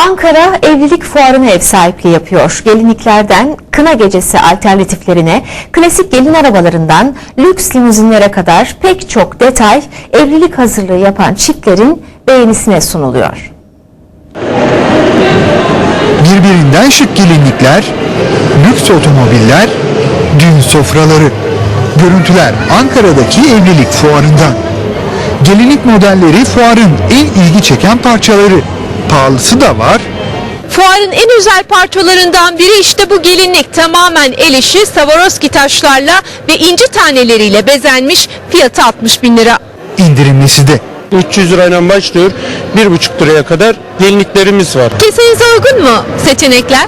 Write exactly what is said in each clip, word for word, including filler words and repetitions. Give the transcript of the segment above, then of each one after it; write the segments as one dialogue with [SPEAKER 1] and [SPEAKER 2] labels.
[SPEAKER 1] Ankara evlilik fuarına ev sahipliği yapıyor. Gelinliklerden kına gecesi alternatiflerine, klasik gelin arabalarından lüks limuzinlere kadar pek çok detay evlilik hazırlığı yapan çiftlerin beğenisine sunuluyor.
[SPEAKER 2] Birbirinden şık gelinlikler, lüks otomobiller, düğün sofraları. Görüntüler Ankara'daki evlilik fuarından. Gelinlik modelleri fuarın en ilgi çeken parçaları. Pahalısı da var.
[SPEAKER 3] Fuarın en özel parçalarından biri işte bu gelinlik. Tamamen el işi Swarovski taşlarla ve inci taneleriyle bezenmiş, fiyatı altmış bin lira.
[SPEAKER 2] İndirimlisi de.
[SPEAKER 4] üç yüz lirayla başlıyor, bir buçuk liraya kadar gelinliklerimiz var.
[SPEAKER 3] Kesenize uygun mu seçenekler?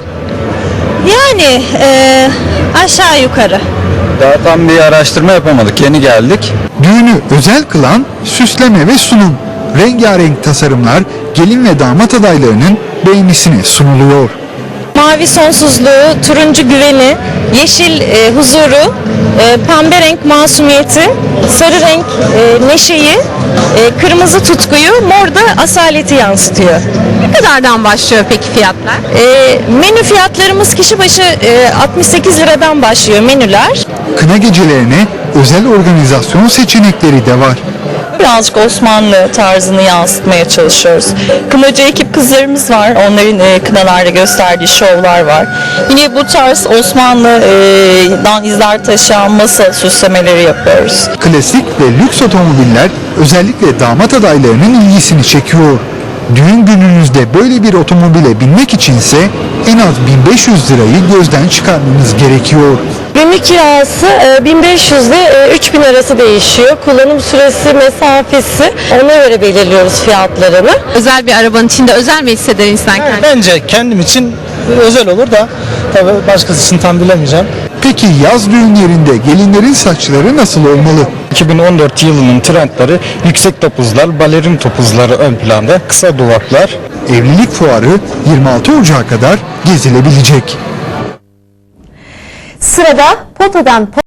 [SPEAKER 5] Yani e, aşağı yukarı.
[SPEAKER 6] Daha tam bir araştırma yapamadık, yeni geldik.
[SPEAKER 2] Düğünü özel kılan süsleme ve sunum. Rengarenk tasarımlar gelin ve damat adaylarının beğenisine sunuluyor.
[SPEAKER 5] Mavi sonsuzluğu, turuncu güveni, yeşil e, huzuru, e, pembe renk masumiyeti, sarı renk e, neşeyi, e, kırmızı tutkuyu, mor da asaleti yansıtıyor.
[SPEAKER 3] Ne kadardan başlıyor peki fiyatlar?
[SPEAKER 5] E, menü fiyatlarımız kişi başı e, altmış sekiz liradan başlıyor menüler.
[SPEAKER 2] Kına gecelerine özel organizasyon seçenekleri de var.
[SPEAKER 7] Birazcık Osmanlı tarzını yansıtmaya çalışıyoruz. Kınacı ekip kızlarımız var. Onların e, kınalarda gösterdiği şovlar var. Yine bu tarz Osmanlı'dan izler taşıyan masa süslemeleri yapıyoruz.
[SPEAKER 2] Klasik ve lüks otomobiller özellikle damat adaylarının ilgisini çekiyor. Düğün gününüzde böyle bir otomobile binmek içinse en az bin beş yüz lirayı gözden çıkarmanız gerekiyor.
[SPEAKER 5] Günlük kirası e, bin beş yüz ile üç bin arası değişiyor. Kullanım süresi, mesafesi ona göre belirliyoruz fiyatlarını.
[SPEAKER 3] Özel bir arabanın içinde özel mi hisseder insan kendini?
[SPEAKER 8] Bence kendim için özel olur da tabii başkası için tam bilemeyeceğim.
[SPEAKER 2] Peki yaz düğünlerinde gelinlerin saçları nasıl olmalı?
[SPEAKER 8] iki bin on dört yılının trendleri yüksek topuzlar, balerin topuzları ön planda, kısa duvaklar.
[SPEAKER 2] Evlilik fuarı yirmi altı Ocak'a kadar gezilebilecek.
[SPEAKER 1] Sırada potadan